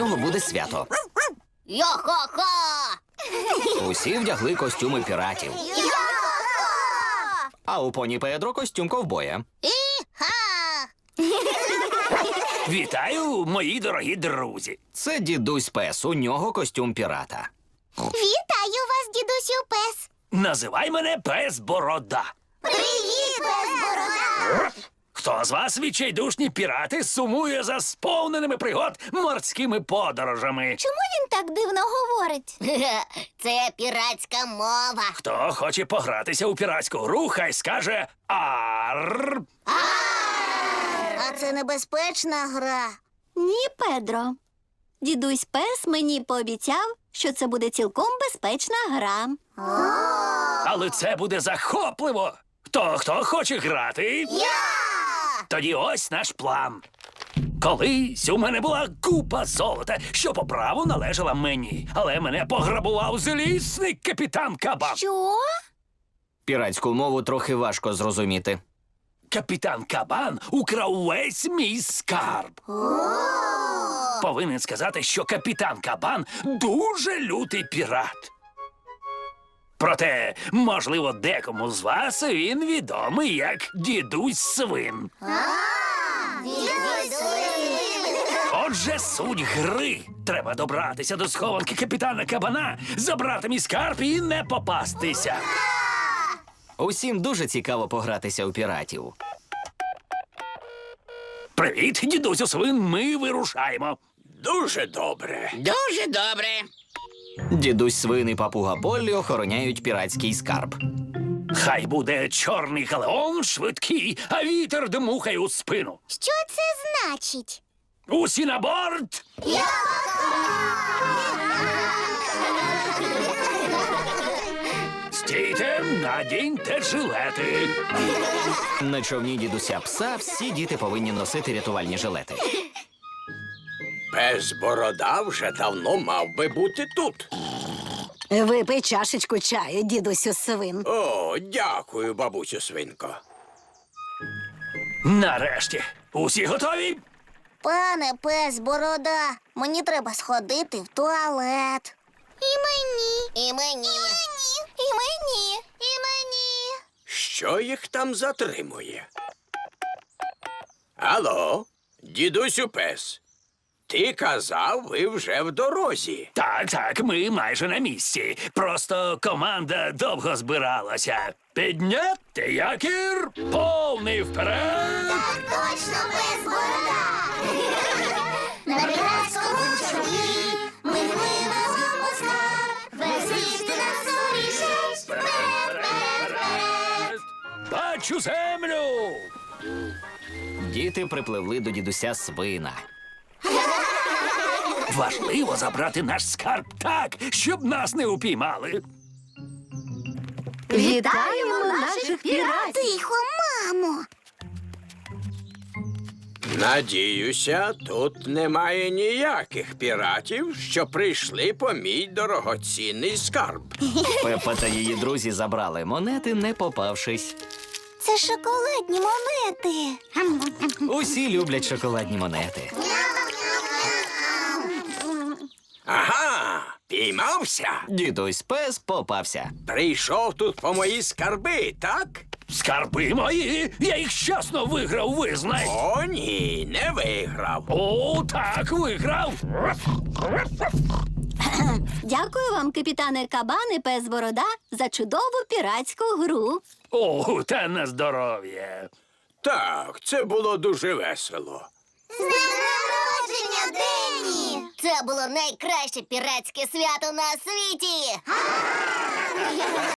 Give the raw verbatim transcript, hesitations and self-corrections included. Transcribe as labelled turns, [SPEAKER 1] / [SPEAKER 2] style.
[SPEAKER 1] нього буде свято.
[SPEAKER 2] Йо-хо-хо!
[SPEAKER 1] Усі вдягли костюми піратів.
[SPEAKER 2] Йо-хо-хо!
[SPEAKER 1] А у поні Педро костюм ковбоя.
[SPEAKER 2] І-ха!
[SPEAKER 3] Вітаю, мої дорогі друзі.
[SPEAKER 1] Це дідусь Пес, у нього костюм пірата.
[SPEAKER 2] Вітаю вас, дідусю Пес!
[SPEAKER 3] Називай мене Пес Борода.
[SPEAKER 2] Привіт, Пес Борода!
[SPEAKER 3] Хто з вас, відчайдушні пірати, сумує за сповненими пригод морськими подорожами?
[SPEAKER 2] Чому він так дивно говорить? Це піратська мова.
[SPEAKER 3] Хто хоче погратися у піратську гру, хай скаже «Арр».
[SPEAKER 2] А це небезпечна гра.
[SPEAKER 4] Ні, Педро. Дідусь Пес мені пообіцяв, що це буде цілком безпечна гра.
[SPEAKER 3] Але це буде захопливо. Хто, хто хоче грати?
[SPEAKER 2] Я!
[SPEAKER 3] Тоді ось наш план. Колись у мене була купа золота, що по праву належала мені. Але мене пограбував злісний капітан Кабан.
[SPEAKER 2] Що?
[SPEAKER 1] Піратську мову трохи важко зрозуміти.
[SPEAKER 3] Капітан Кабан украв весь мій скарб. Повинен сказати, що капітан Кабан дуже лютий пірат. Проте, можливо, декому з вас він відомий як дідусь Свин. Отже, суть гри. Треба добратися до схованки капітана Кабана, забрати мій скарб і не попастися.
[SPEAKER 1] Усім дуже цікаво погратися у піратів.
[SPEAKER 3] Привіт, дідусю Свин, ми вирушаємо.
[SPEAKER 5] Дуже добре.
[SPEAKER 6] Дуже добре.
[SPEAKER 1] Дідусь Свин і папуга Поллі охороняють піратський скарб.
[SPEAKER 3] Хай буде чорний галеон швидкий, а вітер дмухає у спину.
[SPEAKER 2] Що це значить?
[SPEAKER 3] Усі на борт! Стійте, надіньте жилети.
[SPEAKER 1] На човні дідуся Пса всі діти повинні носити рятувальні жилети.
[SPEAKER 5] Пес Борода вже давно мав би бути тут.
[SPEAKER 4] Випий чашечку чаю, дідусю Свин.
[SPEAKER 5] О, дякую, бабусю Свинко.
[SPEAKER 3] Нарешті. Усі готові?
[SPEAKER 2] Пане Пес Борода, мені треба сходити в туалет. І мені. І мені. І мені. І мені. І мені.
[SPEAKER 5] Що їх там затримує? Алло, дідусю Пес. Ти казав, ви вже в дорозі.
[SPEAKER 3] Так, так, ми майже на місці. Просто команда довго збиралася. Підняти якір, повний вперед!
[SPEAKER 2] Точно, Пес Борода! На піратському човні ми пливемо у скарб. Везіть нас скоріше, вперед, вперед, вперед!
[SPEAKER 3] Бачу землю!
[SPEAKER 1] Діти припливли до дідуся Свина.
[SPEAKER 3] Важливо забрати наш скарб так, щоб нас не упіймали.
[SPEAKER 4] Вітаємо наших піратів!
[SPEAKER 2] Тихо, мамо!
[SPEAKER 5] Надіюся, тут немає ніяких піратів, що прийшли по мій дорогоцінний скарб.
[SPEAKER 1] Пепа та її друзі забрали монети, не попавшись.
[SPEAKER 2] Це шоколадні монети.
[SPEAKER 1] Усі люблять шоколадні монети.
[SPEAKER 5] Ага, піймався.
[SPEAKER 1] Дідусь Пес попався.
[SPEAKER 5] Прийшов тут по мої скарби, так?
[SPEAKER 3] Скарби мої! Я їх щасно виграв, визнай!
[SPEAKER 5] О, ні, не виграв.
[SPEAKER 3] О, так, виграв!
[SPEAKER 4] Дякую вам, капітане Кабан і Пес Борода, за чудову піратську гру.
[SPEAKER 3] О, та на здоров'я!
[SPEAKER 5] Так, це було дуже весело.
[SPEAKER 2] З днем народження, Денні! Це було найкраще піратське свято на світі!